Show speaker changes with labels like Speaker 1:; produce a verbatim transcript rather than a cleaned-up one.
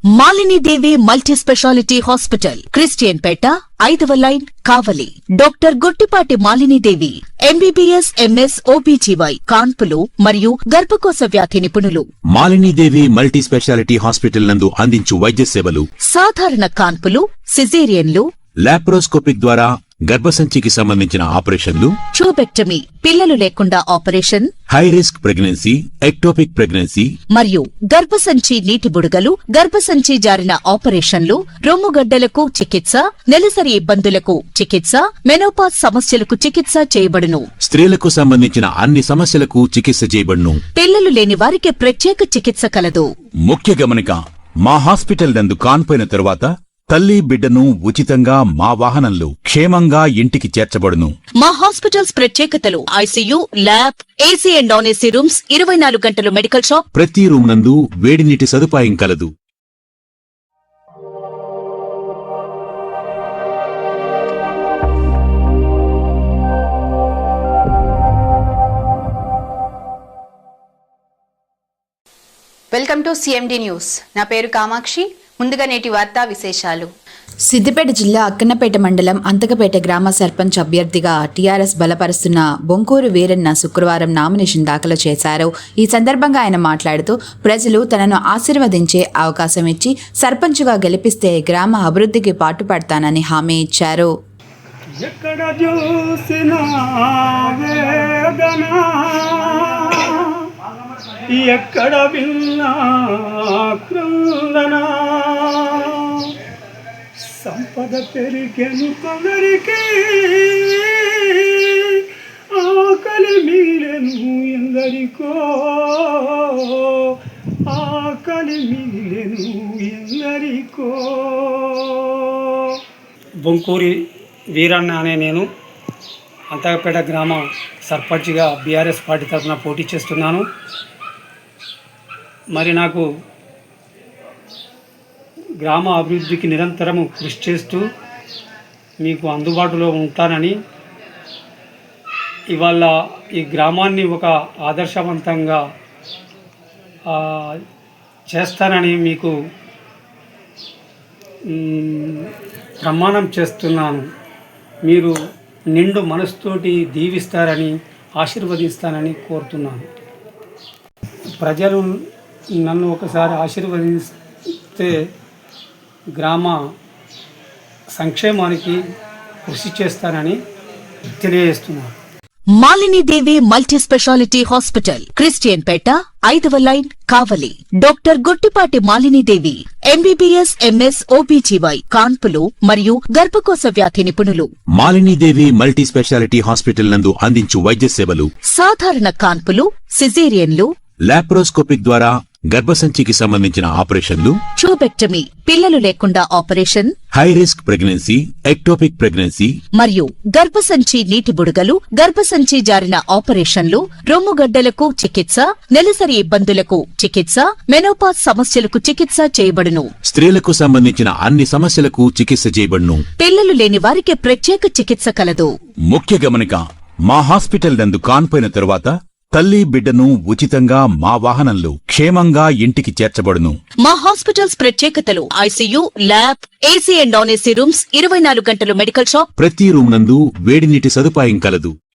Speaker 1: Malini Devi multi speciality hospital, Christian Peta, ఐదవ line, Kavali. Doctor Gottipati Malinidevi, MBBS, MS, OBGY, కాన్పులు మరియు గర్భకోశ వ్యాధి నిపుణులు.
Speaker 2: మాలినీదేవి మల్టీ స్పెషాలిటీ హాస్పిటల్ నందు అందించు వైద్య సేవలు:
Speaker 1: సాధారణ కాన్పులు, సిజేరియన్లు,
Speaker 2: లాప్రోస్కోపిక్ ద్వారా గర్భసంచికి సంబంధించిన ఆపరేషన్లు,
Speaker 1: ట్యూబెక్టమీ, పిల్లలు లేకుండా operation,
Speaker 2: high risk pregnancy, ectopic pregnancy
Speaker 1: మరియు గర్భసంచి నీటి బుడగలు, గర్భసంచి జారిన ఆపరేషన్లు, రొమ్ముగడ్డలకు చికిత్స, నెలసరి ఇబ్బందులకు చికిత్స, మెనోపాజ్ సమస్యలకు చికిత్స చేయబడును.
Speaker 2: స్త్రీలకు సంబంధించిన అన్ని సమస్యలకు చికిత్స చేయబడును.
Speaker 1: పిల్లలు లేని వారికి ప్రత్యేక చికిత్స కలదు.
Speaker 2: ముఖ్య గమనిక: మా హాస్పిటల్ నందు కాన్పోయిన తరువాత తల్లి బిడ్డను ఉచితంగా మా వాహనంలో క్షేమంగా ఇంటికి చేర్చబడును.
Speaker 1: మా హాస్పిటల్స్ ప్రత్యేకతలు: ICU, lab, AC and non AC rooms, ఇరవై నాలుగు గంటలు మెడికల్ షాప్,
Speaker 2: ప్రతి రూమ్ నందు వేడి నీటి సదుపాయం కలదు.
Speaker 3: Welcome to CMD news. నా పేరు కామాక్షి. ముందుగా నేటి వార్తా విశేషాలు.
Speaker 4: సిద్దిపేట జిల్లా అక్కన్నపేట మండలం అంతకపేట గ్రామ సర్పంచ్ అభ్యర్థిగా టీఆర్ఎస్ బలపరుస్తున్న బొంకూరు వీరన్న శుక్రవారం నామినేషన్ దాఖలు చేశారు. ఈ సందర్భంగా ఆయన మాట్లాడుతూ, ప్రజలు తనను ఆశీర్వదించే అవకాశం ఇచ్చి సర్పంచ్గా గెలిపిస్తే గ్రామ అభివృద్ధికి పాటుపడతానని హామీ ఇచ్చారు.
Speaker 5: ఎక్కడ చూసినా వేదన, ఎక్కడ విన్నా క్రందన, సంపద పెరిగెను కొందరికి, ఆకలి మిగిలెను ఎందరికో, ఆకలి మిగిలెను ఎందరికో. బొంకూరి వీరన్న అనే నేను అంతకపేట గ్రామ సర్పంచ్గా బీఆర్ఎస్ పార్టీ తరఫున పోటీ చేస్తున్నాను. మరి నాకు గ్రామ అభివృద్ధికి నిరంతరము కృషి చేస్తూ మీకు అందుబాటులో ఉంటానని, ఇవాళ ఈ గ్రామాన్ని ఒక ఆదర్శవంతంగా చేస్తానని మీకు ప్రమాణం చేస్తున్నాను. మీరు నిండు మనసుతోటి దీవిస్తారని, ఆశీర్వదిస్తానని కోరుతున్నాను. ప్రజలు నన్ను ఒకసారి ఆశీర్వదిస్తే గ్రామ సంక్షేమానికి కృషి చేస్తానని తెలియజేస్తున్నాను.
Speaker 1: Malinidevi multi speciality hospital, Christian Peta, ఐదవ line, Kavali. Doctor Gottipati Malinidevi, MBBS, MS, OBGY, కాన్పులు మరియు గర్భకోశ వ్యాధి నిపుణులు.
Speaker 2: మాలినీదేవి మల్టీ స్పెషాలిటీ హాస్పిటల్ నందు అందించు వైద్య సేవలు:
Speaker 1: సాధారణ కాన్పులు, సిజేరియన్లు,
Speaker 2: లాప్రోస్కోపిక్ ద్వారా గర్భసంచికి సంబంధించిన ఆపరేషన్లు,
Speaker 1: ట్యూబెక్టమీ, పిల్లలు లేకుండా operation,
Speaker 2: high risk pregnancy, ectopic pregnancy
Speaker 1: మరియు గర్భసంచి నీటి బుడగలు, గర్భసంచి జారిన ఆపరేషన్లు, రొమ్ముగడ్డలకు చికిత్స, నెలసరి ఇబ్బందులకు చికిత్స, మెనోపాజ్ సమస్యలకు చికిత్స చేయబడును.
Speaker 2: స్త్రీలకు సంబంధించిన అన్ని సమస్యలకు చికిత్స చేయబడును.
Speaker 1: పిల్లలు లేని వారికి ప్రత్యేక చికిత్స కలదు.
Speaker 2: ముఖ్య గమనిక: మా హాస్పిటల్ నందు కాన్పోయిన తరువాత తల్లి బిడ్డను ఉచితంగా మా వాహనంలో క్షేమంగా ఇంటికి చేర్చబడును.
Speaker 1: మా హాస్పిటల్స్ ప్రత్యేకతలు: ICU, lab, AC and non AC rooms, ఇరవై నాలుగు గంటలు మెడికల్ షాప్,
Speaker 2: ప్రతి రూమ్ నందు వేడి నీటి సదుపాయం కలదు.